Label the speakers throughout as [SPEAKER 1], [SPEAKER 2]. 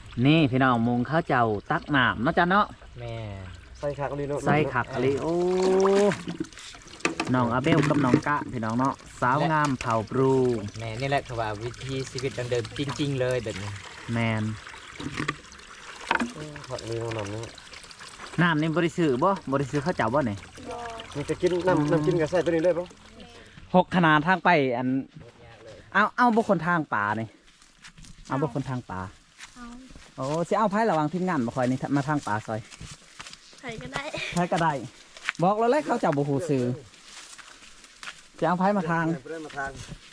[SPEAKER 1] นี่พี่น้องมุงข้าวเจ้าตักน้ำเนาะจ้ะเนาะ
[SPEAKER 2] แม่
[SPEAKER 3] ใส่ขักอันนี้เนาะ
[SPEAKER 1] ใส่ขักอะไรโอ้น้องอาเบลกับน้องกะพี่น้องเนาะสาวงามเผ่าปรู
[SPEAKER 2] แม่นี่แหละคือว่าวิธีชีวิตดังเดิมจริงๆเลยแบบนี้
[SPEAKER 1] แมน
[SPEAKER 3] ขักอันนี้เนาะน้ำนี่
[SPEAKER 1] น้ำนี่บริสุทธิ์บ่บริสุทธิ์ข้าวเจ้าบ่เนี่ย
[SPEAKER 3] มันจะกินน้ำกินกับใส่ตัวนี้ได้ปะ
[SPEAKER 1] 6 ขนาดทางไปอันเอาบุคคลทางป่านี่เอาบุคคลทางป่าโอ้สิเอาไพ่ระวังทีมงานมาคอยนี่มาทางป่าซอย
[SPEAKER 4] ใครก็ได้
[SPEAKER 1] ไพ่ก็ได้บอกแล้วแหละเขาเจ้าบุหูซื้อจะเอาไพ่มาทาง
[SPEAKER 3] มาทาง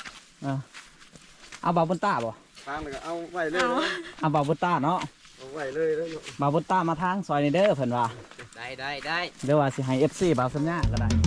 [SPEAKER 1] เอาบาบุนต้าบ่
[SPEAKER 3] ทางเลยก็เอาไว้เลย
[SPEAKER 1] เอาบาบุนต้าเนาะ
[SPEAKER 3] เอาไว้เลยแล้ว
[SPEAKER 1] บาบุนต้ามาทางซอยนี่เด้อเพิ่นว่า
[SPEAKER 2] ได้
[SPEAKER 1] เดี๋ยวว่าสิให้ FC บ่าวสัญญาก็ได้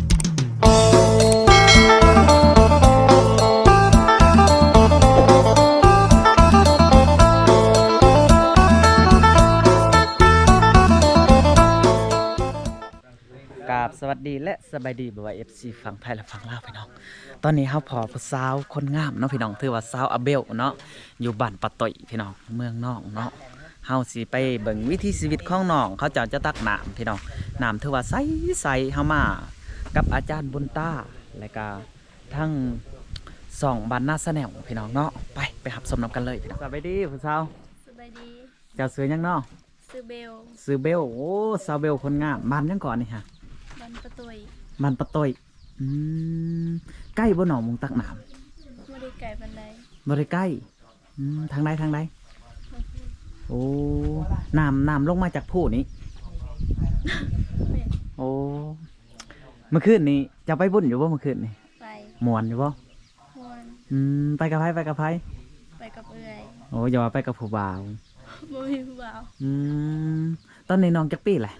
[SPEAKER 1] กราบสวัสดีและสบายดีบ่ว่า FC ฝั่งไทยและฝั่งลาวพี่น้องตอนนี้เฮาพอผู้สาวคนงามเนาะพี่น้องถือว่าสาวอาเบลเนาะอยู่บ้านปะต่อยพี่น้องเมืองนอกเนาะเฮาสิไปเบิ่งวิถีชีวิตของน้องเขาเจ้าจะตักน้ำพี่น้องน้ำถือว่าใสๆเฮามากับอาจารย์บุญตาและก็ทั้ง2บ้านนาสะแนวพี่น้องเนาะไปหับชมน้ำกันเลยพี่น้องสบายดีผู้สาว
[SPEAKER 4] สบายดี
[SPEAKER 1] เจ้าซื้อหยังเนาะ
[SPEAKER 4] ซื้อเบล
[SPEAKER 1] ซื้อเบลโอ้สาวเบลคนงามบ้านยังก่อนนี่ฮะ
[SPEAKER 4] บันประตุย
[SPEAKER 1] บ้านปะต่อยใกล้บ่หนองมุงตักน้ำ
[SPEAKER 4] ไม่ได้ไก่บันได
[SPEAKER 1] บ่ได้ใกล้ทางใดโอ้น้ำลงมาจากผู้นี้
[SPEAKER 4] เป็น
[SPEAKER 1] โอ้เมื่อคืนนี้จะไปบุญอยู่บ่เมื่อคืนนี้
[SPEAKER 4] ไป
[SPEAKER 1] ม่วนอยู่บ่
[SPEAKER 4] มวน
[SPEAKER 1] ไปกับไผ
[SPEAKER 4] ไปกับเอื่อย
[SPEAKER 1] โอ้อย่าว่าไปกับผู้บ่าว
[SPEAKER 4] บ่มีผู้บ่าว
[SPEAKER 1] ตอนนี้น้องจักปีแหละ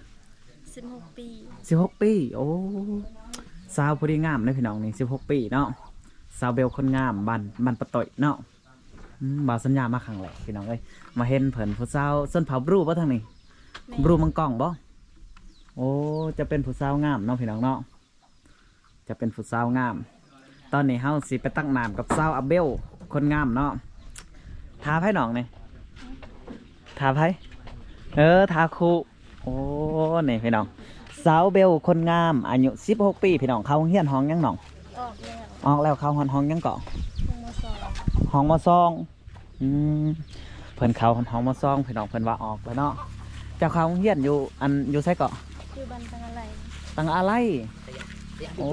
[SPEAKER 4] 16 ปี
[SPEAKER 1] 16 ปีโอ้สาวผู้ดีงามเลยพี่น้องนี่16 ปีเนาะสาวเบลคนงามบ้านปะต่อยเนาะบ่าวสัญญามาครั้งแรกพี่น้องเอ้ยมาเห็นเพิ่นผู้สาวส้นเผาบรูบ่ทางนี้
[SPEAKER 4] แม่
[SPEAKER 1] บรูมังกล่องบ่โอ้จะเป็นผู้สาวงามเนาะพี่น้องเนาะจะเป็นผู้สาวงาม ตอนนี้เฮาสิไปตั้งน้ำกับสาวอาเบลคนงามเนาะทาไผหนองนี่ทาไผทาคูโอ้นี่พี่น้องสาวเบลคนงามอายุ16 ปีพี่น้องเข้าโรงเรียนห้องยังหนอง
[SPEAKER 4] ออกแล้ว
[SPEAKER 1] ออกแล้วเข้าห้องยังเกาะ
[SPEAKER 4] ลงมาสอน
[SPEAKER 1] ห้องมซองเพิ่นเข้าห้องมซองพี่น้องเพิ่นว่าออกแล้วเนาะเจ้าเข้าโรงเรียนอยู่ไสเกาะ
[SPEAKER 4] คือบันตังอะไร
[SPEAKER 1] ตังอะไรโอ้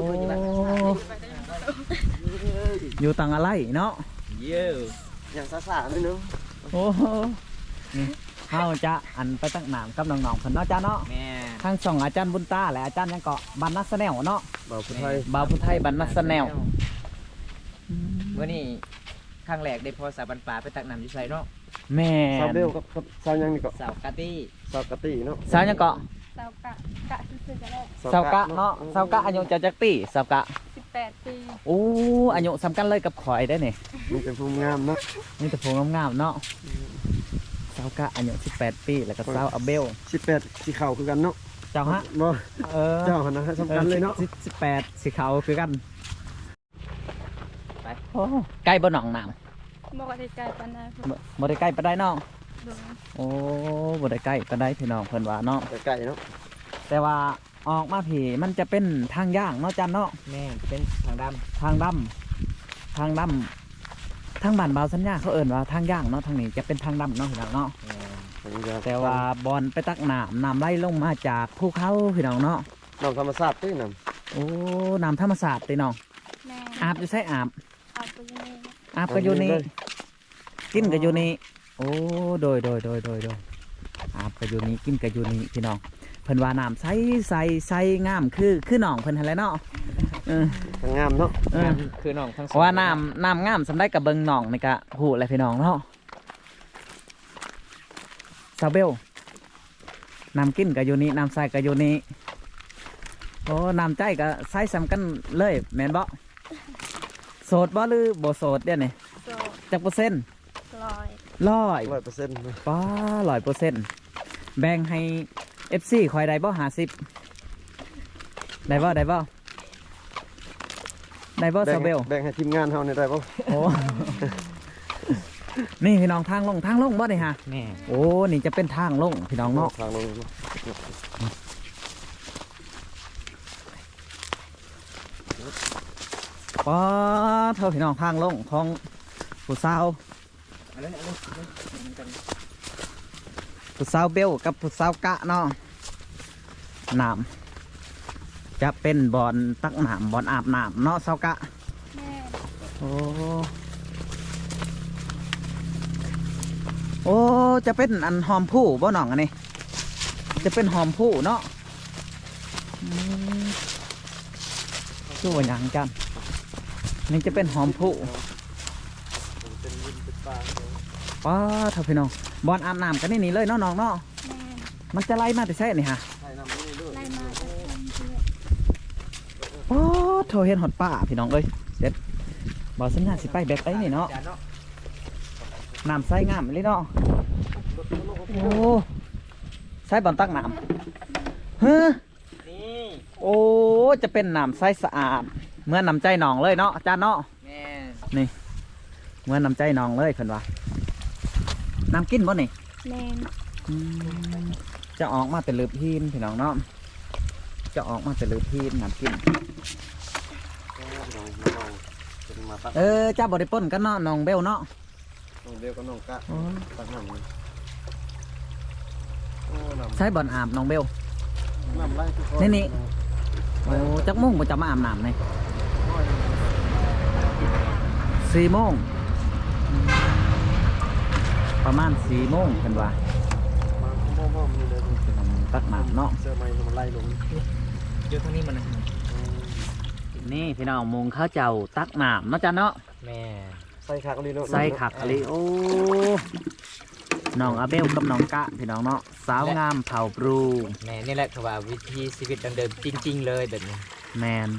[SPEAKER 1] อยู่ตังอะไรเนาะ
[SPEAKER 2] เย้
[SPEAKER 3] อย่างซ่าๆนิดนึง
[SPEAKER 1] โอ้นี่เฮาจะไปตั้งน้ำกับน้องๆเพิ่นเนาะจ้าเนาะ
[SPEAKER 2] แม่
[SPEAKER 1] ทั้งสองอาจารย์บุญตาและอาจารย์ยังเกาะบันนัสแนวเนาะ
[SPEAKER 3] บ่าวผู้ไทย
[SPEAKER 1] บ่าวพุทไทยบันนัสแนว
[SPEAKER 2] เมื่อนี้ครั้งแรกได้พอสาบันปลาไปตักน้ำอยู่ไสเนาะ
[SPEAKER 1] แม่
[SPEAKER 3] ซาเบลกับซายังนี่ก็
[SPEAKER 2] สาวกะตี้
[SPEAKER 3] ซากะติเนาะ
[SPEAKER 1] สาวยังเกาะ
[SPEAKER 4] สาวกะซื้อๆก็ได้
[SPEAKER 1] สาวกะเนาะสาวกะอายุจะจักปีสาวกะ
[SPEAKER 4] 18 ปี
[SPEAKER 1] โอ้อายุสำคัญเลยกับข่อยได้นี่
[SPEAKER 3] มันเป็นภูมิงามเนาะ
[SPEAKER 1] นี่แต่ผมงามๆเนาะสาวกะอายุ18 ปีแล้วก็สาวอาเบล
[SPEAKER 3] 18สีขาวคือกันเนาะ
[SPEAKER 1] เจ้าฮะ
[SPEAKER 3] บ่
[SPEAKER 1] เออ
[SPEAKER 3] เจ้าหันนะสำคัญเลยเนาะ
[SPEAKER 1] 18สีขาวคือกันไปโอ้ใกล้บ่หนองน้
[SPEAKER 4] บอกว่าได้ไก่ปานใด
[SPEAKER 1] ำบ่ได้ใกล้ปานใดน้อง
[SPEAKER 4] โดน
[SPEAKER 1] โอ้บ่ได้ใกล้ปานใดพี่น้องเพิ่นว่าเนาะ
[SPEAKER 3] ไก่เนาะ
[SPEAKER 1] แต่ว่าออกมาผีมันจะเป็นทางย่างเนาะจันเนาะ
[SPEAKER 2] แม่เป็นทางด
[SPEAKER 1] ทางดำทางบ้านบ่าวสัญญาเขาเอิ้นว่าทางย่างเนาะทางนี้จะเป็นทางดำเนาะพี่น้องเนาะ
[SPEAKER 2] ำ
[SPEAKER 1] แต่ว่าบอลไปตักน้ำไหลลงมาจากภูเขาพี่น้องเนาะ
[SPEAKER 3] น้ำธรรมชาติตีน้
[SPEAKER 1] โอ้น้ำธรรมศาสตร์ตีน้อง
[SPEAKER 4] แม่
[SPEAKER 1] อาบอยู่ใช่อาบ
[SPEAKER 4] เอาไปยังไง
[SPEAKER 1] อาบก็อยู่นี่กินก็อยู่นี่โอ้โดยอาบก็อยู่นี่กินก็อยู่นี่พี่น้องเพิ่นว่าน้ำใสงามคือน้องเพิ่นหั่นแหละเนาะเออ
[SPEAKER 3] ำทางงามเนาะ
[SPEAKER 1] เออ
[SPEAKER 2] คือน้องทั้งส
[SPEAKER 1] เพ
[SPEAKER 2] อง
[SPEAKER 1] ราะว่าน้ำงามสำได้กับเบิงน้องนี่กะหูอะไรพี่น้องเนาะซาเบลน้ำกินก็อยู่นี่น้ำใสก็อยู่นี่โอ้น้ำใจก็ใส่ซ้ำกันเลยแม่นบ่โสดบ่หรือบ่โสดเดี๋ยวนี้
[SPEAKER 4] โซ
[SPEAKER 1] จักเปอร์เซ็นต์
[SPEAKER 4] ลอย
[SPEAKER 3] 100%
[SPEAKER 1] ป้า100%แบ่งให้ FC คอยได้บ่50ได้บ่ได้บ่ซาเบล
[SPEAKER 3] แบ่งให้ทีมงานเฮานี่ได้บ่
[SPEAKER 1] โอ้นี่พี่น้องทางลงบ่ได้ฮะ
[SPEAKER 2] แม่
[SPEAKER 1] โอ้นี่จะเป็นทางลงพี่น้องเนาะ
[SPEAKER 3] ทางลง
[SPEAKER 1] ป้าเท่าพี่น้องทางลงของผู้สาว
[SPEAKER 2] เอาเลยเอาเลยเอาเลยกัน
[SPEAKER 1] ผู้สาวเบลกับผู้สาวกะเนาะน้ำจะเป็นบอนตักน้ำบอนอาบน้ำเนาะสาวกะ
[SPEAKER 4] แม่
[SPEAKER 1] โอ้โอ้จะเป็นอันหอมผู้บ่น้องอันนี้จะเป็นหอมผู้เนาะชื่อว่าหยังจันนี่จะเป็นหอมผู้
[SPEAKER 3] เป็นวินเป็นปลา
[SPEAKER 1] ป้าเท่าพี่น้องบอนอาบน้ำกันนี่เลยเนาะน้องเนาะ
[SPEAKER 4] แม่
[SPEAKER 1] มันจะไล่มาแต่ใช่นี่ฮะ
[SPEAKER 3] ใช่น้ำนี่ด้วย
[SPEAKER 4] ไล่มาจากคนเพื่อ
[SPEAKER 1] โอ้โถเห็นหอดป่าพี่น้องเอ้ยเด็ดบอสัญญาสิไปแบบไอ้นี่เนาะ
[SPEAKER 2] จานเนาะ
[SPEAKER 1] น้ำใสงามเลยเนาะโอ้ใส่บอลตักน้ำเฮ้อ
[SPEAKER 2] นี่
[SPEAKER 1] โอ้จะเป็นน้ำใสสะอาดเหมื่อนน้ำใจหนองเลยเนาะอาจารย์เนาะ
[SPEAKER 2] แม่
[SPEAKER 1] นี่เหมื่อนน้ำใจหนองเลยเพิ่นว่าน้ำกินบ่นี่
[SPEAKER 4] แม่
[SPEAKER 1] อืมจะออกมาแต่ลืบพีนพี่น้องเนาะจะออกมาแต่ลืบพีนน้ำกิน
[SPEAKER 3] เป็นมาตัก
[SPEAKER 1] จ้าบริปนกันเนาะน้องเบลเนาะ
[SPEAKER 3] น้องเดียวกับน้องกะตักน้ำโอ้น้ำ
[SPEAKER 1] ใช้บอลอาบน้องเบล
[SPEAKER 3] น้ำไหล
[SPEAKER 1] นี่ โอ้จักโมงผมจะมาอาบน้ำนี่4 โมงประมาณ4 โมงกันว่า
[SPEAKER 3] มันพ่อมันเลย
[SPEAKER 1] ตักน้ำเนาะ
[SPEAKER 3] เสื้อไม้มันไล่ลง
[SPEAKER 2] เดี๋ยวทางนี้มันนะ
[SPEAKER 1] นี่พี่น้องมุงข้าวเจ้าตักน้ำเนาะจ้ะเนาะ
[SPEAKER 2] แม่
[SPEAKER 3] ใส่ขาก็ดีเนาะ
[SPEAKER 1] ใส่ขักอะไรโอ้น้องอาเบลกับน้องกะพี่น้องเนาะสาวงามเผาปรู
[SPEAKER 2] แม่นี่แหละคือว่าวิธีชีวิตดังเดิมจริง ๆ เลยแบบนี้
[SPEAKER 1] แมน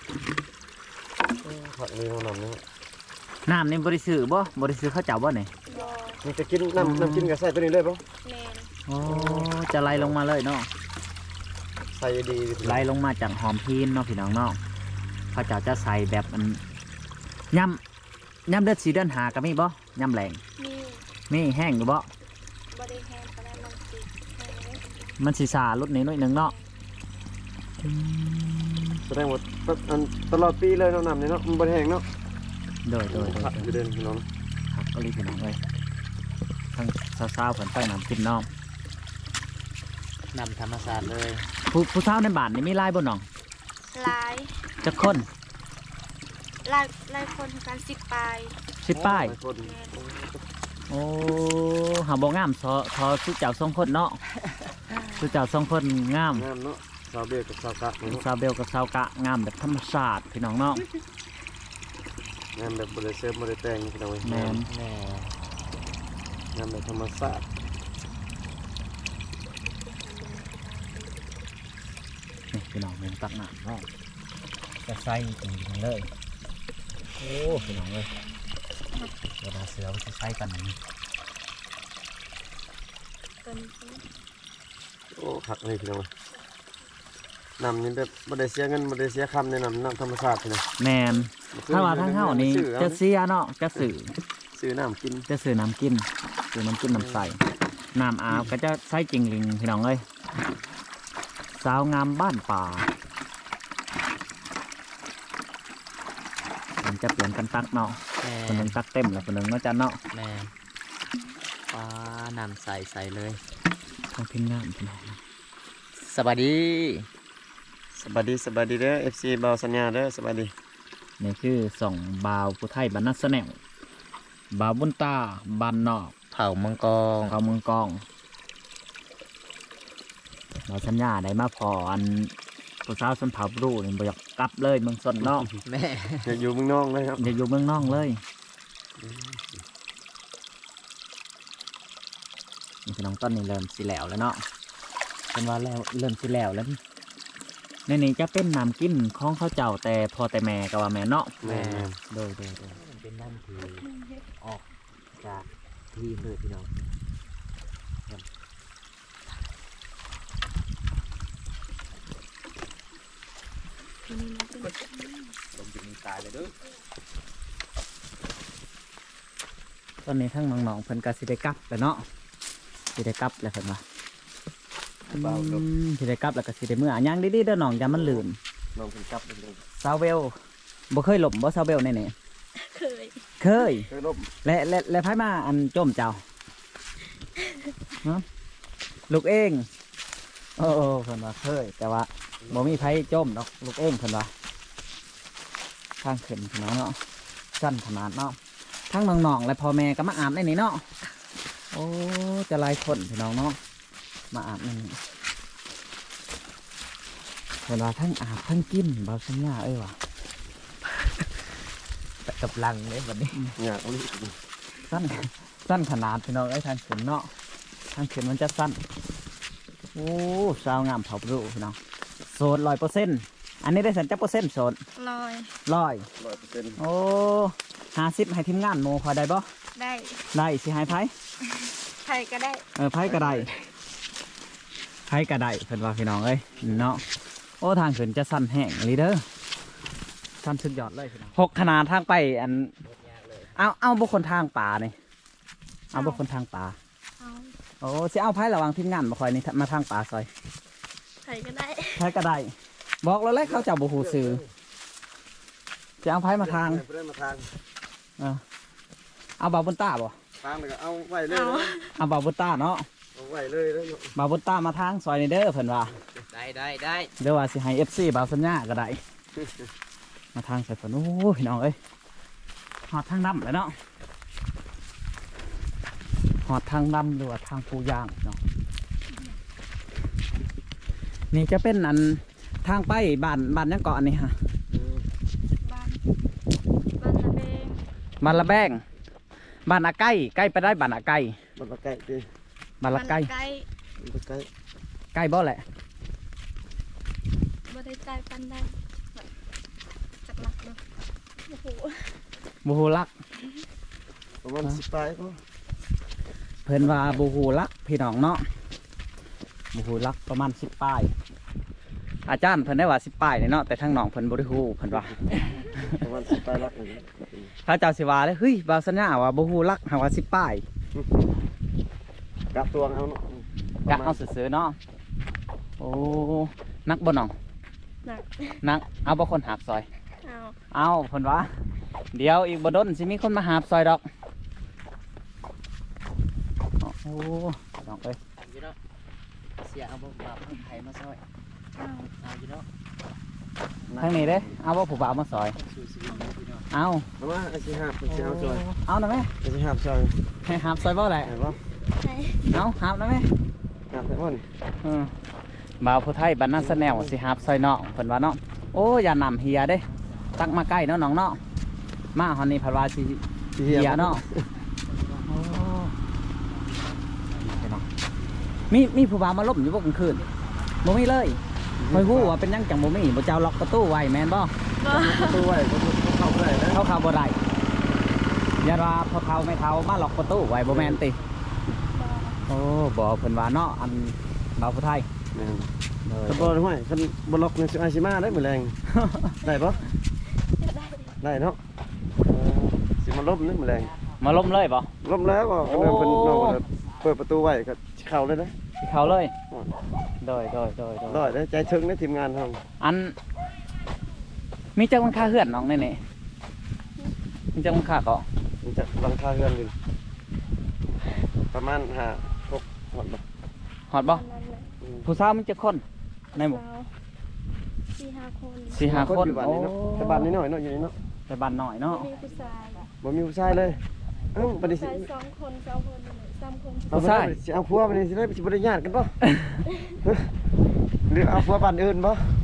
[SPEAKER 3] ผักเลยน้ำนี่
[SPEAKER 1] น้ำนี่บริสุทธิ์บ่บริสุทธิ์ข้าวเจ้าบ่เนี่ย
[SPEAKER 4] บอ
[SPEAKER 3] มันจะกินน้ำกินกับใส่ตัวนี้เลยป่ะ
[SPEAKER 4] แม่
[SPEAKER 1] โอ้จะไล่ลงมาเลยเนาะ
[SPEAKER 3] ใส่ดี
[SPEAKER 1] ไล่ลงมาจากหอมพีนเนาะพี่น้องเนาะข้าวเจ้าจะใส่แบบมันย่ำเดือด4 เดือนหาก็มีบ่ย่ำแรง
[SPEAKER 4] มี
[SPEAKER 1] มีแห้งอยู่บ่
[SPEAKER 4] บริแฮนปานมันติดแม่เลย
[SPEAKER 1] มันสีสาลดนิดหน่อยหนึงเนาะ
[SPEAKER 3] แสดงว่าตลอดปีเลยน้ำนี่เนาะมันบริแห้งเนาะ
[SPEAKER 1] โดย
[SPEAKER 3] ผักอยู่เด่นพี่น้อง
[SPEAKER 1] ครับก็รีบพี่น้องเลยทั้งสาวๆผลไปน้ำกินน้อง
[SPEAKER 2] นำธรรมศาสตร์เลย
[SPEAKER 1] ผู้สาวในบ้านนี่มีลายบ่น้อง
[SPEAKER 4] หลาย
[SPEAKER 1] จักคน
[SPEAKER 4] หลายคนทำการ10 ปลาย
[SPEAKER 1] 10 ป้าย
[SPEAKER 3] คน
[SPEAKER 4] แม่
[SPEAKER 1] โอ้หาบ่งามทอสุเจ้า2 คนเนาะสุเจ้า2 คนงาม
[SPEAKER 3] งามเนาะสาวเบียกับสาวกะเนาะ
[SPEAKER 1] สาวเบลกับสาวกะงามแบบธรรมชาติพี่น้องเนาะ
[SPEAKER 3] งามแบบบริเซฟบริแต่งพี่น้อง
[SPEAKER 1] แมน
[SPEAKER 2] แม่
[SPEAKER 3] งามแบบธรรมชาติ
[SPEAKER 1] นี่พี่น้องเมืองตักน้ำเนาะจะใส่จริงๆเลยโอ้พี่น้องเลยเวลาเสือมันจะใส่กันอย่างนี้
[SPEAKER 4] ตัวนี้
[SPEAKER 3] โอ้ผักเลยพี่น้องน้ำนี่แบบบริเสียเงินบริเสียคำในน้ำธรรมชาติพี่น้อง
[SPEAKER 1] แมนถ้าว่าทางเฮานี่จะเสียเนาะจะสื่อ
[SPEAKER 3] ซื้อน้ำกิน
[SPEAKER 1] จะสื่อน้ำกินสื่อน้ำกินน้ำใสน้ำอาบก็จะใส่จริงลิงพี่น้องเลยสาวงามบ้านป่ามันจะเปลี่ยนกันตักเนาะ
[SPEAKER 2] แม่
[SPEAKER 1] คนหนึงตักเต็มแล้วคนหนึงเนาะจันเนาะ
[SPEAKER 2] แม่ปลานำใส่เลย
[SPEAKER 1] ทางพิมพ์งามพี่น้อง
[SPEAKER 2] สวัสดี
[SPEAKER 3] สบายดีสบายดีเด้อ FC เบาสัญญาเด้อสบายดี
[SPEAKER 1] นี่คือส่องบาวผู้ไทยบรรณัสแนวบาวบุญตาบานนอก
[SPEAKER 2] เผามังกร
[SPEAKER 1] เขาเมืองกองเราสัญญาได้มาพออันผู้สาวสนเผารูนี่บ่อยากกลับเลยเมืองสนเนาะ
[SPEAKER 2] แม่
[SPEAKER 3] อยากอยู่เมืองนอกเลยครับ
[SPEAKER 1] อยากอยู่เมืองนอกเลยนี่พี่น้องต้นนี่เริ่มสิแล้วแล้วเนาะเป็นว่าแล้วเริ่มสิแล้วแล้วในนี้จะเป็นน้ำกินของข้าวเจ้าแต่พอแต่แม่ก็ว่าแม่เนาะ
[SPEAKER 3] แม่
[SPEAKER 1] โดย
[SPEAKER 2] เป็นน้ำที่ออกจากที่เลยพี่น้อง
[SPEAKER 4] ตัวนี้มันเป็น
[SPEAKER 2] ผมจะมีตายเลยด้วย
[SPEAKER 3] ใส่
[SPEAKER 1] อนนี้ทั้งน้องๆเพิ่นก็สิได้กลับแล้วเนาะสิได้กลับแล้วเพิ่นว่าสิได้กลับแล้วก็สิได้เมื่อย่างดีๆเด้อน้องอย่ามันลืม
[SPEAKER 3] น้องเพิ่นกลับเลย
[SPEAKER 1] ซาวเวลบ่เคยหลบบ่ซาวเวลนี่
[SPEAKER 4] เคย
[SPEAKER 1] เคย
[SPEAKER 3] เคยลบ
[SPEAKER 1] และไผมาอันจมเจ้าฮะลูกเองโอ้เพิ่นว่าเคยแต่ว่าบ่มีไผจมดอกลูกเองเพิ่นว่าทางขึ้นพี่น้องเนาะสั้นขนาดเนาะทั้งน้องๆและพ่อแม่ก็มาอาบในนี้เนาะโอ้จะหลายคนพี่น้องเนาะมาอาบในนี้เพิ่นว่าทั้งอาบทั้งกินบ่สัญญาว่ะ
[SPEAKER 2] กับลังเลยวันนี้
[SPEAKER 3] อยากเอาลูก
[SPEAKER 1] สั้นขนาดพี่น้องทางขึ้นเนาะทางขึ้นมันจะสั้นโอ้สาวงามเผารูพี่น้องโสด100%อันนี้ได้สัญจักเปอร์เซ็นต์โสด
[SPEAKER 4] ลอย
[SPEAKER 3] 100%
[SPEAKER 1] โอ้50ให้ทีมงานโมพอได้บ่
[SPEAKER 4] ได้
[SPEAKER 1] ได้สิให้ไผ
[SPEAKER 4] ใครก็ได้
[SPEAKER 1] ไผก็ได้ไผก็ได้เพิ่นว่าพี่น้องเอ้ยเนาะโอ้ทางขึ้นจะสั้นแห้งลีเด้อสั้นสุดยอดเลยพี่น้อง6ขนาดทางไปอันเอาบุคคลทางป่านี่เอาบุคคลทางป่า
[SPEAKER 4] เอา
[SPEAKER 1] โอ้สิเอาไผระหวังทีมงานมาคอยนี่มาทางป่าซอย
[SPEAKER 4] ใครก็ได้
[SPEAKER 1] ไผก็ได้บอกแล้วแหละเขาเจ้าบ่ฮู้ซื่อจะเอาไผมาทาง
[SPEAKER 3] เพิ่นมาทาง
[SPEAKER 1] เอาบาบุญตาบ่
[SPEAKER 3] ทางแล้วก็เอาไว้เลย
[SPEAKER 4] เอา
[SPEAKER 3] นะ
[SPEAKER 1] เอาบาบุญตาเนาะ
[SPEAKER 3] เอาไว้เลยนะ
[SPEAKER 1] บาบุญตามาทางซอยนี่เด้อเพิ่นว่า
[SPEAKER 2] ได้
[SPEAKER 1] เดี๋ยวว่าสิให้ FC บาวสัญญาก็ได้ มาทางใส่ฝนโอ้พี่น้องเอ้ยหอดทางดำเลยเนาะหอดทางดำหรือว่าทางภูยางเนาะนี่จะเป็นอันทางไปบ้านยังเกาะอันนี้ฮะ
[SPEAKER 4] บ้านบ้านระเบง
[SPEAKER 1] บ้านละแบงบ้านอาไก่ใกล้ไปได้บ้านอาไก่
[SPEAKER 3] มันมาใกล้ดิ
[SPEAKER 1] บ้านละไก่
[SPEAKER 4] ใกล้
[SPEAKER 3] มันมาใกล้
[SPEAKER 1] ใกล้บ่แหละ
[SPEAKER 4] บ่ได้ใจปันได้จักหลักเลยโอ้โห
[SPEAKER 1] บูฮูลัก
[SPEAKER 3] ประมาณ10ปลายก็
[SPEAKER 1] เพิ่นว่าบูฮูลักพี่น้องเนาะบูฮูลักประมาณ10 ป้ายอาจารย์เพิ่นได้ว่า10 ป้ายเนาะแต่ทางน้องเพิ่นบ่ได้ฮู้เพิ่นว่า
[SPEAKER 3] ประมาณ10ปลายลักนี่
[SPEAKER 1] ถ้าเจ้าสิว่าเลยเฮ้ยบาวสัญญาว่าบูฮูลักหาว่า10 ป้าย
[SPEAKER 3] กลับตัวเอาเนาะ
[SPEAKER 1] กะเอาซื่อๆเนาะโอ้นักบ่น้อง
[SPEAKER 4] หนัก
[SPEAKER 1] นักเอาบ่คนหาบซอย
[SPEAKER 4] เอา
[SPEAKER 1] เอาเพิ่นว่าเดี๋ยวอีกบ่ดนสิมีคนมาหาบซอยดอกโอ้โหน้องเอ้ย
[SPEAKER 2] อยู่เนาะเสียเอาบ่บาปเพิ่นไผมาซอย
[SPEAKER 4] เอา
[SPEAKER 2] เอาอยู่เนาะ
[SPEAKER 1] ทางนี้เด้เอาบ่ผู้บ่าวมาซอย
[SPEAKER 2] สู่ชีวิตพี่น้อง
[SPEAKER 1] เอา
[SPEAKER 3] เอามาไอ้สิหาบสิเอาซอย
[SPEAKER 1] เอาหน่อยแม่
[SPEAKER 3] ไอ้สิหาบซอย
[SPEAKER 1] ให้หาบซอยบ่แหละ
[SPEAKER 3] เห็นบ่
[SPEAKER 4] ใช่
[SPEAKER 1] เอาหาบหน่อยแม่
[SPEAKER 3] หาบได้บ่นี่
[SPEAKER 1] บ่าวผู้ไทยบ้านนาสแนวสิหาบซอยน้องเพิ่นว่าเนาะโอ้อย่านำเฮียเด้ตักมาใกล้เนาะน้องเนาะมาฮอนนี้เพิ่นว่าสิ
[SPEAKER 3] สิ
[SPEAKER 1] เฮียเนาะโอ้ไปเนาะมีผู้บ่าวมาลบอยู่บ่กลางคืนบ่มีเลยคอยฮู้ว่าเป็นหยังจังบ่มีบ่เจ้าล็อกประตูไว้แม่นบ่
[SPEAKER 4] บ่
[SPEAKER 3] ประตูไว้บ่เข้าบ่ได้นะ
[SPEAKER 1] เข้าบ่ได้อย่าว่าพอเฒ่าไม่เฒ่ามาล็อกประตูไว้บ่แม่นติโอ้บ่เพิ่นว่าเนาะอันบ่าวผู้ไทย
[SPEAKER 3] แม่น
[SPEAKER 1] เลย
[SPEAKER 3] คันบ่ห้วยคันบ่ล็อกนี่สิอาสิมาได้มื้อแรง ได้บ่
[SPEAKER 4] ได้
[SPEAKER 3] ได้เนาะสิมาล้มนี่มื้อแรง
[SPEAKER 1] มาล้มเลยบ่
[SPEAKER 3] ล้มแล้วก็
[SPEAKER 1] โอ้
[SPEAKER 3] เพิ่นน้องก็เปิดประตูไว้ก็สิเข้าเลยนะ
[SPEAKER 1] สิเข้าเลยโดย
[SPEAKER 3] รอดเด้อใจถึงในทีมงานเฮา
[SPEAKER 1] อันมีจังมันค่าเฮือนน้องนี่นี่มีจังมันค่าเกาะ
[SPEAKER 3] มันจะหลังคาเฮือนอยู่ประมาณ5 6หมดบ่
[SPEAKER 1] ฮอดบ่
[SPEAKER 4] นั่นแหละ
[SPEAKER 1] ผู้สาวมันจะคนในหมู่
[SPEAKER 4] เรา4-5 คน
[SPEAKER 1] 4-5 คน
[SPEAKER 3] อยู่บ้าน
[SPEAKER 1] โอ้
[SPEAKER 3] นี้เนาะแต่บ้านนี้น้อยเนาะอยู่นี่เนาะ
[SPEAKER 1] แต่บ้านน้อยเนาะ
[SPEAKER 4] มีผู้ชาย
[SPEAKER 3] บ่มีผู้ชายเลยเอ้าบัดนี้สิ
[SPEAKER 4] ชาย2 คน2 คน3 คน
[SPEAKER 3] เอาไปสิเอาผัวบัดนี้สิได้สิบ่ได้ญาติกันบ่ หรือเอาผัวบ้านอื่นบ่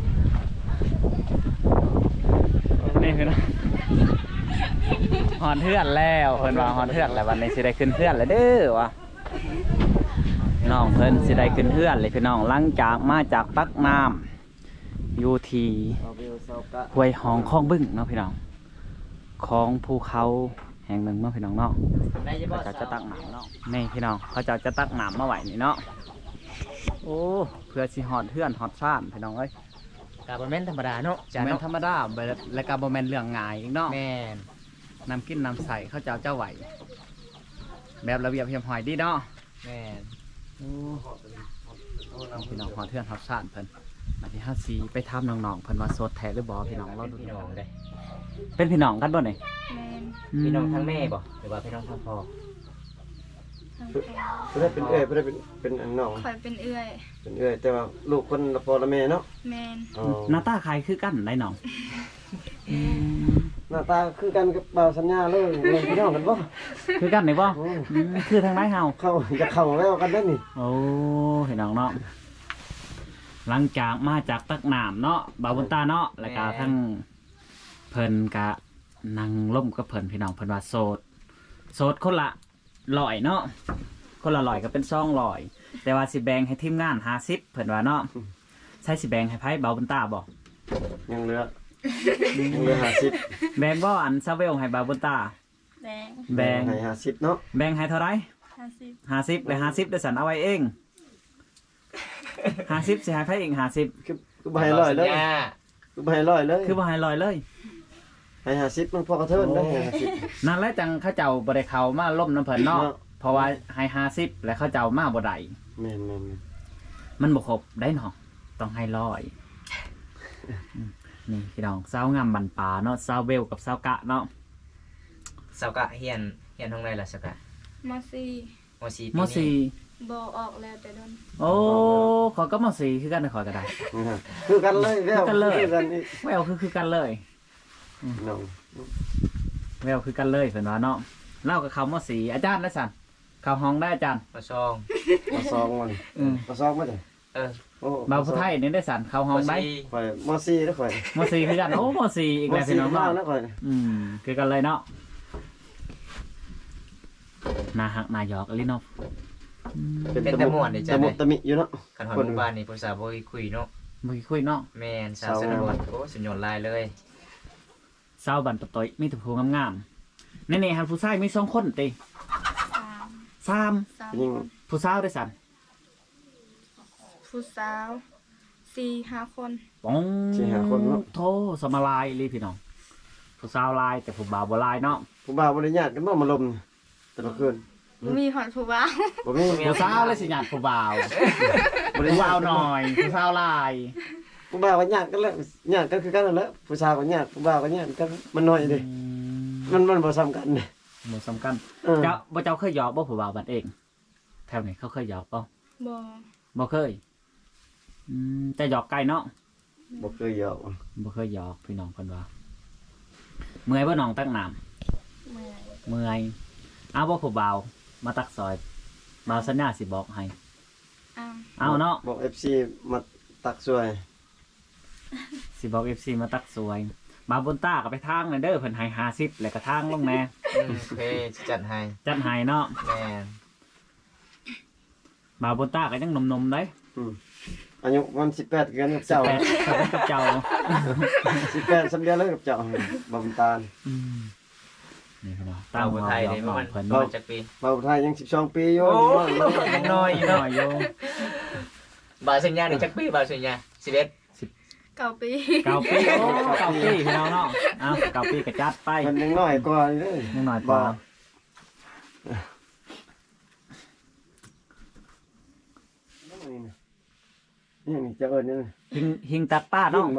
[SPEAKER 1] นี่คือเนาะฮอดเฮือนแล้วเพิ่นว่าฮอดเฮือนแล้ววันนี้สิได้ขึ้นเฮือนแล้วเด้อว่ะน้องเพิ่นสิได้ขึ้นเฮือนเลยพี่น้องหลังจากมาจากตักน้ำอยู่ที่
[SPEAKER 3] เอาเบลเซากะ
[SPEAKER 1] ห้วยหองคลองบึ้งเนาะพี่น้องของภูเขาแห่งหนึ่งเนาะพี่น้องเนาะ
[SPEAKER 2] ได้จะบ่
[SPEAKER 1] เขาจะตักน้ำเนาะนี่พี่น้องเขาจะตักน้ำมาไว้นี่เนาะโอ้เพื่อสิฮอดเฮือนฮอดซ่านพี่น้องเอ้ย
[SPEAKER 2] ก็บ่แม่นธรรมดาเนาะ
[SPEAKER 1] จะแม่นธรรมดาและก็บ่แม่นเรื่องง่ายอีกเนาะ
[SPEAKER 2] แม่น
[SPEAKER 1] น้ำกินน้ำใสเขาเจ้าไหวแบบระเบียบเรียบร้อยดีเนาะ
[SPEAKER 2] แม่น
[SPEAKER 1] โอ้พี่น้องฮอดเทือนฮอดซ่านเพิ่นอันที่54ไปถามน้องๆเพิ่นว่าโสดแท้หรือบ่พี่น้องเราดู
[SPEAKER 2] พี่น้องเลย
[SPEAKER 1] เป็นพี่น้องกันบ่นี่
[SPEAKER 4] แมน
[SPEAKER 2] พี่น้องทั้งแม่บ่หรือว่าพี่น้องทั้งพ่อ
[SPEAKER 4] ทางพ่อ
[SPEAKER 3] เพิ่นได้เป็นเอ้ยเพิ่นได้เป็นอันน้อง
[SPEAKER 4] คอยเป็นเอื้อย
[SPEAKER 3] เป็นเอ้ยแต่ว่าลูกคนละพ่อละแม่เนาะ
[SPEAKER 4] แมน
[SPEAKER 3] อ๋อ
[SPEAKER 1] หน้าตาคล้ายคือกันได้น้อง
[SPEAKER 3] หน้าตาคือกันกับบ่าวสัญญาเลยแม่นพี่น้องกันบ่
[SPEAKER 1] คือกันได้บ่
[SPEAKER 3] โอ้
[SPEAKER 1] คือทางไหนเฮา
[SPEAKER 3] เข้าจะเข้าแล้วกันได้อนี่
[SPEAKER 1] โอ้พี่น้องเนาะหลังจากมาจากตักน้ำเนาะบาวบุญตาเนาะแล้วก็ทั้งเพิ่นกะนั่งล่มกับเพิ่นพี่น้องเพิ่นว่าโสดคนละ100เนาะคนละ100ก็เป็น200แต่ว่าสิแบ่งให้ทีมงาน50เพิ่นว่าเนาะใช้สิแบ่งให้ไผบาวบุญตาบ่
[SPEAKER 3] ยังเหลือ50
[SPEAKER 1] แบ่งบ่อันซาเวลให้บาวบุญตา
[SPEAKER 4] แดง
[SPEAKER 1] แบ่ง
[SPEAKER 3] ให้50เนาะ
[SPEAKER 1] แบ่งให้เท่าไหร่
[SPEAKER 4] 50
[SPEAKER 1] 50เลย50ได้สันเอาไว้เอง50สิให้ไผเอง50
[SPEAKER 3] คือบ่ให้ร้อยเลยคือบ่ให้ร้อยเลย
[SPEAKER 1] คือบ่ให้100เลย
[SPEAKER 3] ให้50มันพอกระเทินได้ให้50
[SPEAKER 1] นั่นแหละจังเขาเจ้าบ่ได้เข้ามาล่มน้ำเพิ่นเนาะ
[SPEAKER 3] เนาะ
[SPEAKER 1] เพราะว่าให้50แล้วเขาเจ้ามาบ่ได้
[SPEAKER 3] แม่น
[SPEAKER 1] มันบ่ครบได้เนาะต้องให้100นี่พี่น้องสาวงามบันปลาเนาะสาวเบลกับสาวกะเนาะ
[SPEAKER 2] สาวกะเฮียนทางไหนล่ะสาวกะ
[SPEAKER 4] มอซี่
[SPEAKER 2] มสี่
[SPEAKER 1] ม
[SPEAKER 2] ปีนี้
[SPEAKER 4] บอออกแล้วแต่โดน
[SPEAKER 1] 4โอ้ขอยก็ม4คือกันนะขอยก็ได้
[SPEAKER 3] ๆคือกันเลยแล้ว
[SPEAKER 1] คือกันเลย
[SPEAKER 3] คือกันนี่
[SPEAKER 1] แววคือกันเลย
[SPEAKER 3] น้อง
[SPEAKER 1] แววคือกันเลยเพิ่นว่าเนาะเล่ากับเขาม4อาจารย์ได้สั่นเข้าห้องได้อาจารย์
[SPEAKER 2] มาซอง
[SPEAKER 3] มาซองมัน
[SPEAKER 1] อืม
[SPEAKER 3] มาซองมาจ้ะ
[SPEAKER 2] เออ
[SPEAKER 3] โอ้
[SPEAKER 1] บาวผู้ไทยนี่ได้สั่นเข้าห้องได้
[SPEAKER 2] สี่
[SPEAKER 3] ข่อยมอซี่เด้อข่อย
[SPEAKER 1] ม4คือกันโอ้ม4อีกแล้วพี่น้อง
[SPEAKER 3] มา
[SPEAKER 1] เนาะ
[SPEAKER 3] แล้วข่อย
[SPEAKER 1] คือกันเลยเนาะนาหักนายอกลิเนาะ
[SPEAKER 2] เป็นตะม่วนเด้จ้ะ
[SPEAKER 3] ตะมุตะมิอยู่เนาะ
[SPEAKER 2] คันฮอดหมู่บ้านนี่ภาษาบ่คุยเนาะ
[SPEAKER 1] มือคุยเนาะ
[SPEAKER 2] แม่นสาวสนบทโอ้สุดยอดลายเลย
[SPEAKER 1] สาวบันปะตอยมีแต่ผู้งามๆนี่ๆฮันผู้ชายมี2คนติ
[SPEAKER 4] 3
[SPEAKER 1] 3
[SPEAKER 3] ยิ่ง
[SPEAKER 1] ผู้สาวได้สั่น
[SPEAKER 4] ผู้สาว4-5 คน
[SPEAKER 1] ปองโทสมาลายเลยพี่น้องผู้สาวลายแต่ผู้บ่าวบ่ลายเนาะ
[SPEAKER 3] ผู้บ่าวบ่ได้ญาติกันบ่มาลมแต่ละคืน
[SPEAKER 4] มีหอดผู้บ่าว
[SPEAKER 3] บ่มี
[SPEAKER 1] ผู้สาวเลยสิญาติผู้บ่าวผู้บ่าวหน่อยผู้สาวลาย
[SPEAKER 3] ผู้บ่าวก็ญาติกันแล้วญาติกันคือกันนั่นแหละผู้สาวก็ญาติผู้บ่าวก็ญาติกันมันน้อยเด้มันบ่ซ้ำกันเด้
[SPEAKER 1] บ่สำคัญ
[SPEAKER 3] เออ
[SPEAKER 1] เจ้าเคยหยอกบ่ผู้บ่าวบัดเองแถวนี้เขาเคยหยอกบ่
[SPEAKER 4] บอ
[SPEAKER 1] บ่เคยแต่หยอกไก่เนาะ
[SPEAKER 3] บ่เคยยอม
[SPEAKER 1] บ่เคยหยอกพี่น้องเพิ่นว่าเมื่อยบ่น้องตักน้ำ
[SPEAKER 4] เมื่อย
[SPEAKER 1] เมื่อยเอาบ่ผู้บ่าวมาตักซอยบ่าวสัญญาสิบอกให้
[SPEAKER 4] อ้าว
[SPEAKER 1] เอาเนาะ
[SPEAKER 3] บอก FC มาตักช่วย
[SPEAKER 1] สิบอก FC มาตักสวยบ่าวบนต้าก็ไปทางนั่นเด้อเพิ่นให้50แล้วก็ทางลงแหน่
[SPEAKER 2] โอเคจัดให้
[SPEAKER 1] จัดให้เนาะ
[SPEAKER 2] แม่น
[SPEAKER 1] บ่าวบนต้าก็ยังหนมๆเด้
[SPEAKER 3] อายุมัน18กันกับเจ้า
[SPEAKER 1] แต่กับเจ้า
[SPEAKER 3] 18สำเร็จแล้วกับเจ้าบ่มตาล
[SPEAKER 1] นี่พี่น้อง
[SPEAKER 2] ตามคนไทยนี่
[SPEAKER 1] น้อง
[SPEAKER 2] มัน
[SPEAKER 1] เพิ่น
[SPEAKER 2] มันจักปี
[SPEAKER 3] บ่าวไทยยัง12ปีอยู่
[SPEAKER 2] โอ้ยยังน้อยอยู่
[SPEAKER 1] น้
[SPEAKER 2] เนาะ
[SPEAKER 1] อยอยู่
[SPEAKER 2] บาสัญญานี่จักปีบาสัญญา11
[SPEAKER 4] 9 ปี
[SPEAKER 1] เก้าปีโอ้เก้าปีพี่น้องเนาะเอาเก้าปีก็จัดไป
[SPEAKER 3] มันยังน้อยกว่านี่เด้อ
[SPEAKER 1] ยังน้อยกว่า
[SPEAKER 3] นี่นี่จะเอิ้นนี่
[SPEAKER 1] หิงตักป้า
[SPEAKER 3] น้อ
[SPEAKER 1] เนาะ
[SPEAKER 3] งบ่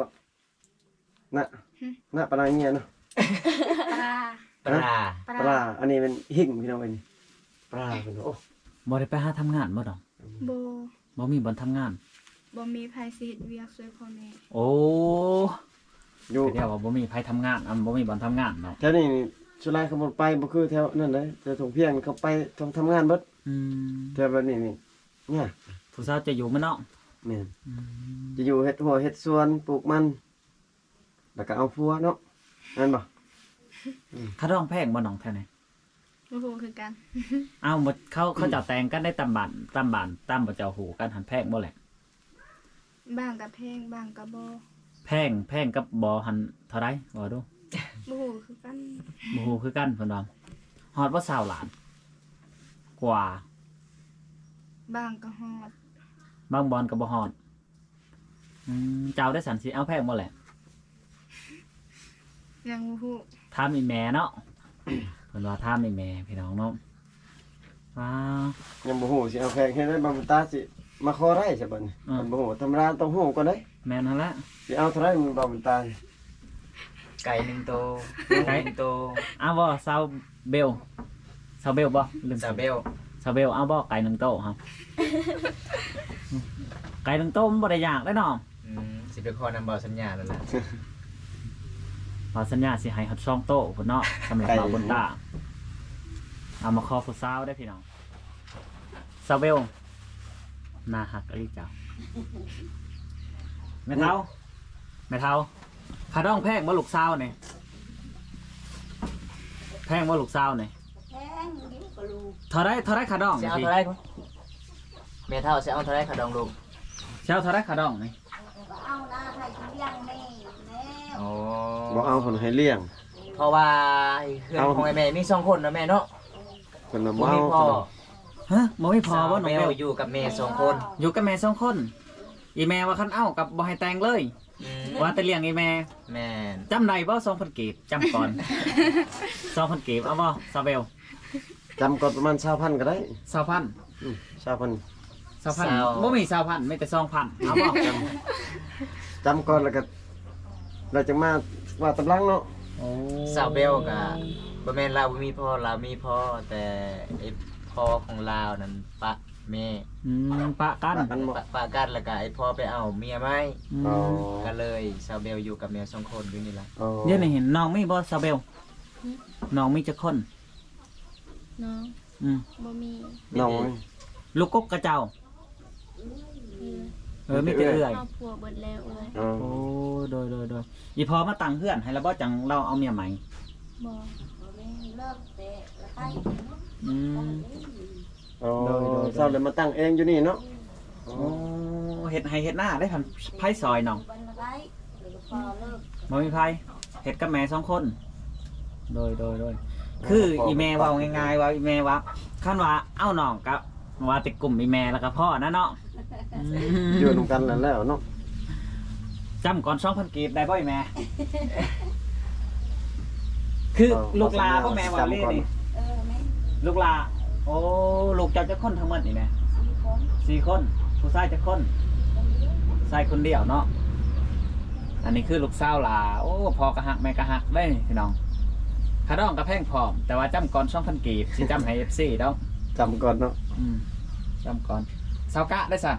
[SPEAKER 3] น่ะปลาเงี้ยเนาะ
[SPEAKER 4] ปลา
[SPEAKER 2] ปลา
[SPEAKER 3] ปลาอันนี้เป็นหิ่งพี่น้องเอ้ยนี่ปลาเพิ่นโอ้
[SPEAKER 1] บ่ได้ไปหาทำงานบ่ดอก
[SPEAKER 4] โบ
[SPEAKER 1] บ่มีบ่อนทำงาน
[SPEAKER 4] บ่มีไผสิเฮ็ดเวียกช่วยพ่อแม่
[SPEAKER 1] โอ้
[SPEAKER 3] อยู่
[SPEAKER 1] เดี๋ยวว่าบ่มีไผทำงานบ่มีบ่อนทำงานเนาะ
[SPEAKER 3] แถวนี้นี่สุรายเขาบ่ไปบ่คือแถวนั่นเลยแต่ทงเพียงเขาไปทำงานเบิด
[SPEAKER 1] อืม
[SPEAKER 3] แถวแบบนี้นี่เนี่ย
[SPEAKER 1] ผู้สาวจะอยู่มั้ยเนาะ
[SPEAKER 3] แม่นจะอยู่เฮ็ดหัวเฮ็ดสวนปลูกมันแล้วก็เอาฟัวเนาะนั่นบ่
[SPEAKER 1] ค่าดองแพงบ่น้องแท้ไหน
[SPEAKER 4] บ่ฮู้คือกัน
[SPEAKER 1] อ้าวหมดเขาจะแต่งกันได้ตามบ้านตามบ่เจ้าหูกันหันแพงบ่แหละ
[SPEAKER 4] บ้างก็แพงบ้างก็บ่
[SPEAKER 1] แพงกับบ่หันเท่าไรบ่ดู
[SPEAKER 4] บ่ฮู้คือกัน
[SPEAKER 1] บ่ฮู้คือกันเพิ่นว่าฮอดบ่20ล้าน กว่า
[SPEAKER 4] บ้างก็ฮอด
[SPEAKER 1] บางบอนก็บ่ฮอดเจ้าได้สันสิเอาแพงบ่แหละ
[SPEAKER 4] ยังบ่ฮู้
[SPEAKER 1] ถามอีแม่เนาะ เพิ่นว่าถามอีแม่พี่น้องเนาะว้าว
[SPEAKER 3] ยังบ่ฮู้สิเอาแขกให้ได้บางตาสิมาขอได้ใช่บัดนี้มันบ่ฮู้ธรรมดาต้องฮู้ก่อนเด้
[SPEAKER 1] แม่นหั่นละ
[SPEAKER 3] สิเอาเท่าไหร่มันบางตา
[SPEAKER 2] ไก่1โตว
[SPEAKER 1] ไก่
[SPEAKER 2] 1โตว
[SPEAKER 1] เอาบ่ซาวเบลซาวเบลบ่ลืม
[SPEAKER 2] ซาเบล
[SPEAKER 1] ซาวเบลเอาบ่ไก่1โต๊ะครับ ไก่1โต๊ะมันบ่ได้ยากได้เนาะ
[SPEAKER 2] สิไปขอนำเบาสัญญาแล้วล่ะ
[SPEAKER 1] ขอสัญญาสิให้ฮอด2โต๊ะพุ่นเนาะสำหรับบ่าวบนตาเอามาขอผู้สาวได้พี่น้องซาวเบลน่าฮักอีเจ้าแม่เฒ่าขาดองแพงบ่ลูกสาวนี่แพงบ่ลูกสาวนี่
[SPEAKER 4] แพงเดี๋ยวก็รู้
[SPEAKER 1] เท่าไรขาดอง
[SPEAKER 2] สิเอาเท่าไหร่คุณแม่เฒ่าสิเอาเท่าไหร่ขาดองลูก
[SPEAKER 1] เช้าเท่าไรขาดองนี่
[SPEAKER 4] เอาหน้าให้เลี้ยงแม่แม่
[SPEAKER 2] โอ้
[SPEAKER 3] บ่เอาเพิ่นให้เลี้ยง
[SPEAKER 2] เพราะว่าเพื่อนของไอ้แม่มี2คนนะแม่เนาะ
[SPEAKER 3] เพิ่นน่ะ
[SPEAKER 2] บ่
[SPEAKER 3] บ่เอา
[SPEAKER 2] มีพ่อ
[SPEAKER 1] ฮะบ่มีพอบ่น้อง
[SPEAKER 2] แม
[SPEAKER 1] เบ
[SPEAKER 2] ว
[SPEAKER 1] ล
[SPEAKER 2] อยู่กับแม่2คน
[SPEAKER 1] อยู่กับแม่2คนอีแม่ว่าคันเอ้ากับบ่ให้แต่งเลย ว่าแต่เลี้ยงอีแม่
[SPEAKER 2] แม่น
[SPEAKER 1] จำได้บ่2,000กีบจำก่อน 2,000กีบเอาบ่ซาเบล
[SPEAKER 3] จำก่อนประมาณ20,000ก็ได้
[SPEAKER 1] 20,000
[SPEAKER 3] 20,000
[SPEAKER 1] 20,000บ่มี20,000มีแต่2,000เอาบ่
[SPEAKER 3] จำก่อนแล้วก็เราจะมาว่าตำลังเนาะ
[SPEAKER 1] โอ้
[SPEAKER 2] สาวเบลก็บ่แม่นเราบ่มีพ่อเรามีพ่อแต่ไอ้พ่อของเรานั่นปะแม่
[SPEAKER 1] ปะกัน
[SPEAKER 3] กันบ่
[SPEAKER 2] ปะกันแล้วก็ไอ้พ่อไปเอาเมียใหม่
[SPEAKER 3] อ๋อ
[SPEAKER 2] ก็เลยสาวเบลอยู่กับแม่2คนอยู่นี่ล่ะ
[SPEAKER 3] อ๋อ
[SPEAKER 1] เดี๋ยวนี้เห็นน้องมีบ่ซาเบลน้องมีจักคน
[SPEAKER 4] น้อง
[SPEAKER 1] อืม
[SPEAKER 4] บ่มี
[SPEAKER 3] น้อง
[SPEAKER 1] ลูกกกกระเจ้า มีแต่เอื้อย
[SPEAKER 4] ครอบครัวเบิดแล้วเอ้ย
[SPEAKER 3] อ๋อ
[SPEAKER 1] โอ้โดยอีพอมาตั้งเฮือนให้แล้วบ่จังเราเอาเมียใหม่
[SPEAKER 4] บ่แม่เลิกแต่ละไป
[SPEAKER 1] อืม
[SPEAKER 3] อ๋อ
[SPEAKER 1] โดย
[SPEAKER 3] เศร้าเลยมาตั้งเองอยู่นี่เนาะ
[SPEAKER 1] โอ้เฮ็ดให้เฮ็ดหน้าได้พันไผซอยน้อง
[SPEAKER 4] วันละไปเดี๋ยวก็พอเลิก
[SPEAKER 1] บ่มีไผเฮ็ดกับแม่2คนโดยคืออีแม่เว้าง่ายๆว่าอีแม่ว่าคันว่าเอาน้องกับว่าติดกลุ่มอีแม่แล้วก็พ่อนะเนาะ
[SPEAKER 3] อยู่นำกันแล้วเนาะ
[SPEAKER 1] จำก่อน 2,000กีบได้บ่อีแม่ คือลูกลาบ่แม่ว่าเลยนี่
[SPEAKER 4] แม่
[SPEAKER 1] ลูกลาโอ้ลูกเจ้าจักคนทั้งหมดนี่แม่
[SPEAKER 4] 4 คน
[SPEAKER 1] 4คนผู้ชายจักคน
[SPEAKER 4] คนเดียว
[SPEAKER 1] ชายคนเดียวเนาะอันนี้คือลูกสาวลาโอ้พ่อกะฮักแม่กะฮักได้พี่น้องขาดองกะแพงพร้อมแต่ว่าจำก่อน 2,000กีบสิจำให้ FC เด้อ
[SPEAKER 3] จำก่อนเนาะ
[SPEAKER 1] จำก่อนสาวกะได้สั่น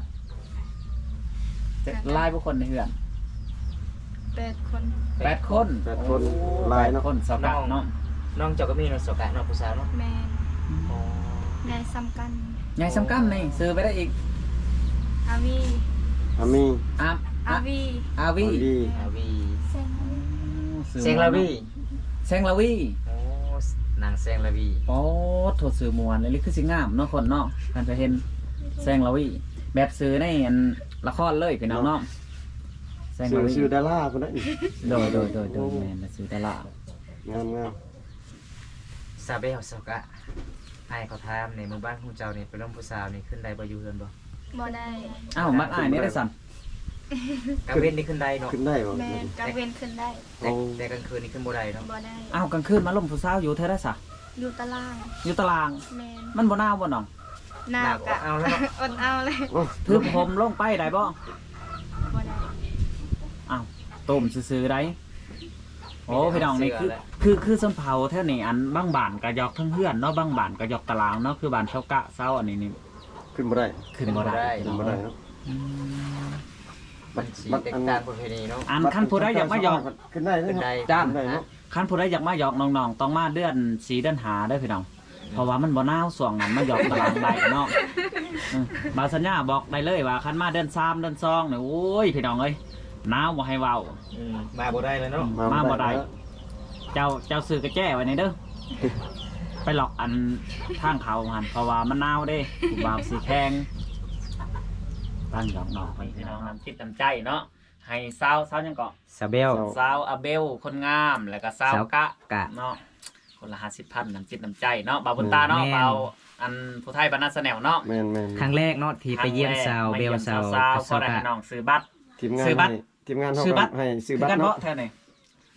[SPEAKER 1] ไล่ผู้คนในเฮือน
[SPEAKER 4] 8 คน
[SPEAKER 1] 8 คน
[SPEAKER 3] 8คน
[SPEAKER 1] โอ้
[SPEAKER 3] หลายเนาะ
[SPEAKER 1] 8คนสาวกะเนาะ
[SPEAKER 2] น้องเจ้าก็มีน้องสกะน้องผู้สาวเนาะ
[SPEAKER 4] แม่
[SPEAKER 2] อ๋อ
[SPEAKER 4] นายซ้ำกัน
[SPEAKER 1] ใหญ่สำคัญนี่ซื้อไปได้อีก
[SPEAKER 4] อาวี
[SPEAKER 3] อามี
[SPEAKER 1] อา
[SPEAKER 4] อาวี
[SPEAKER 1] อาวี
[SPEAKER 3] อาวี
[SPEAKER 2] อาวี
[SPEAKER 4] เซน
[SPEAKER 2] เซงลาวี
[SPEAKER 1] เซงลาวี
[SPEAKER 2] โอ้นางเซงลาวี
[SPEAKER 1] โอ้โถสื่อมวลเลยคือสิงามเนาะคนเนาะการไปเห็นเซงลาวีแบบซื้อในอันละครเลยพี่น้องเนาะเซงลาวี
[SPEAKER 3] ชื่อดาราคนนั้น
[SPEAKER 1] โดยแม่นซื้อตลาด
[SPEAKER 3] งาม
[SPEAKER 2] ซาเบลสกะไอ้เขาถามในหมู่บ้านของเจ้านี่เป็นร่มผู้สาวนี่ขึ้นได้บ่อยู่เฮือนบ่
[SPEAKER 4] บ่ได้
[SPEAKER 1] อ้าวมัดอ้ายนี่ได้สั่น
[SPEAKER 2] กลางเว้นนี่ขึ้นได้เนาะ
[SPEAKER 3] ขึ้นได้บ่
[SPEAKER 4] แม่กลางเว้นขึ้นได้
[SPEAKER 2] แต่กลางคืนนี่ขึ้นบ่ได้เนาะ
[SPEAKER 4] บ่ได้
[SPEAKER 1] อ้าวกลางคืนมาล่มผู้สาวอยู่เท่าไรสะ
[SPEAKER 4] อยู่ตาราง
[SPEAKER 1] อยู่ตาราง
[SPEAKER 4] แม่
[SPEAKER 1] มันบ่หนาวบ่น้อง
[SPEAKER 4] หนาวกะ
[SPEAKER 2] เอาแล้วเนาะ
[SPEAKER 4] อดเอาเลย
[SPEAKER 1] ถือผมลงไปได้บ่
[SPEAKER 4] บ่ได้
[SPEAKER 1] อ้าวต้มซื่อๆได้โอ้พี่น้องนี่คือส้นเผาแท่นี้อันบางบ้านก็ยอกทั้งเฮือนเนาะบางบ้านก็ยอกตารางเนาะคือบ้านเซากะเซาอันนี้นี่
[SPEAKER 3] ขึ้นบ่ได้
[SPEAKER 1] ขึ้นบ่ได้
[SPEAKER 3] ขึ้นบ่ได้เนาะ
[SPEAKER 1] อืม
[SPEAKER 2] มันสีแตกต่างประเพณีเนาะ
[SPEAKER 1] อันคันผู้ใดอยากมาหยอก
[SPEAKER 3] ขึ้นได้
[SPEAKER 2] ขึ้น
[SPEAKER 3] เนาะ
[SPEAKER 2] ได้
[SPEAKER 1] จ้าน
[SPEAKER 3] ขึ้นได้เนาะ
[SPEAKER 1] คันผู้ใดอยากมาหยอกน้องๆต้องมาเดือน4เดือน5เด้อพี่น้องเพราะว่ามันบ่หนาวช่วงนั้นมาหยอกตารางได้เนาะบาสัญญาบอกได้เลยว่าคันมาเดือน3เดือน2เนี่ยโอ้ยพี่น้องเอ้ยหนาวบ่ให้เว้า
[SPEAKER 2] มาบ่ได้เลยเนาะ
[SPEAKER 1] มาบ่ได้ เจ้าซื้อกระแจ้ไว้ในเด้อ ไปหลอกอันทางเขาหันเพราะว่ามันหนาวเด้ผู้บ่าวสีแข็งตั้งดอกนอกพี่น้องน้ำจิตน้ำใจเนาะให้สาวยังเกาะ
[SPEAKER 2] ซาเบล
[SPEAKER 1] สาวอาเบลคนงามแล้วก็สาวกะ
[SPEAKER 2] กะ
[SPEAKER 1] เนาะคนละ50,000น้ำจิตน้ำใจเนาะบ่าวบุญตาเนาะ
[SPEAKER 2] แม่น
[SPEAKER 1] บ่าวอันผู้ไทยบ้านนาสแนวเนาะ
[SPEAKER 3] แม่น
[SPEAKER 2] ครั้งแรกเนาะที่ไปเยี่ยมสาวเบลสาว
[SPEAKER 1] พอได้ให้น้องซื้อบัตร
[SPEAKER 3] ทีมงาน
[SPEAKER 1] ซื้อบัตร
[SPEAKER 3] ทีมงานเฮา
[SPEAKER 1] ซื้อบัตร
[SPEAKER 3] ให้ซื้อบัต
[SPEAKER 1] กั
[SPEAKER 3] ร
[SPEAKER 1] น
[SPEAKER 3] เนาะ
[SPEAKER 1] เนาะแท้นี่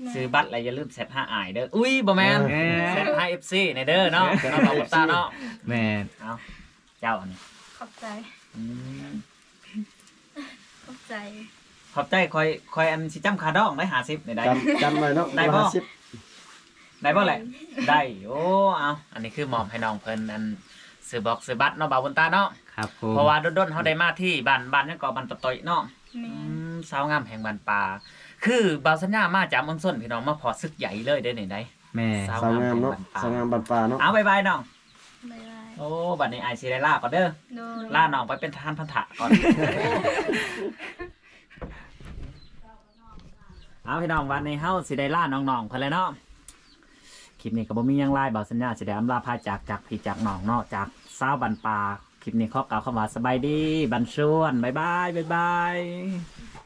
[SPEAKER 1] ซื้อบัตรอะไรอย่าลืมแซด5อายเด้ออุ้ยบ่แม่นแซด5 FC ในเด้อเนาะเนาะบ่าวบุญตาเนาะ
[SPEAKER 2] แม่น
[SPEAKER 1] เอาเจ้าอันนี้
[SPEAKER 4] ขอบใจ
[SPEAKER 1] อืม
[SPEAKER 4] ขอบใจ
[SPEAKER 1] ขอบใจคอยอันสิจำคาดองได้50ได้
[SPEAKER 3] จำไว้เนาะ
[SPEAKER 1] ได้บ่
[SPEAKER 3] 50
[SPEAKER 1] ได้บ่แหละได้โอ้เอาอันนี้คือมอบให้น้องเพิ่นอันซื้อบอกซื้อบัตรเนาะบ่าวบุญตาเนาะ
[SPEAKER 2] ครับผม
[SPEAKER 1] เพราะว่าด้นๆเขาได้มาที่บ้านยังก่อบ้านปะตอยเนาะ
[SPEAKER 4] แม่
[SPEAKER 1] สาวงามแห่งบ้านป่าคือบาวสัญญามาจากเมืองส้นพี่น้องมาพอซึกใหญ่เลยได้ไหนได้
[SPEAKER 2] แม่
[SPEAKER 1] สาว
[SPEAKER 3] สาวงามเนาะสาวงามบัดป่าเนาะ
[SPEAKER 1] เอาบายบายน้อง
[SPEAKER 4] บ๊ายบาย
[SPEAKER 1] โอ้บัดนี้ไอซีได้ล่าก่อนเด้อ
[SPEAKER 4] โดย
[SPEAKER 1] ล่าน้องไปเป็นทหารพันธะก่อน เอาพี่น้องวันนี้เฮาสิได้ล่าน้องๆเพิ่นแล้วเนาะคลิปนี้ก็บ่มีหยังหลายบาวสัญญาสิได้อำลาพาจากพี่จากน้องเนาะจากสาวบ้านป่าคลิปนี้ขอกล่าวคำว่าสบายดีบันชวนบ๊ายบาย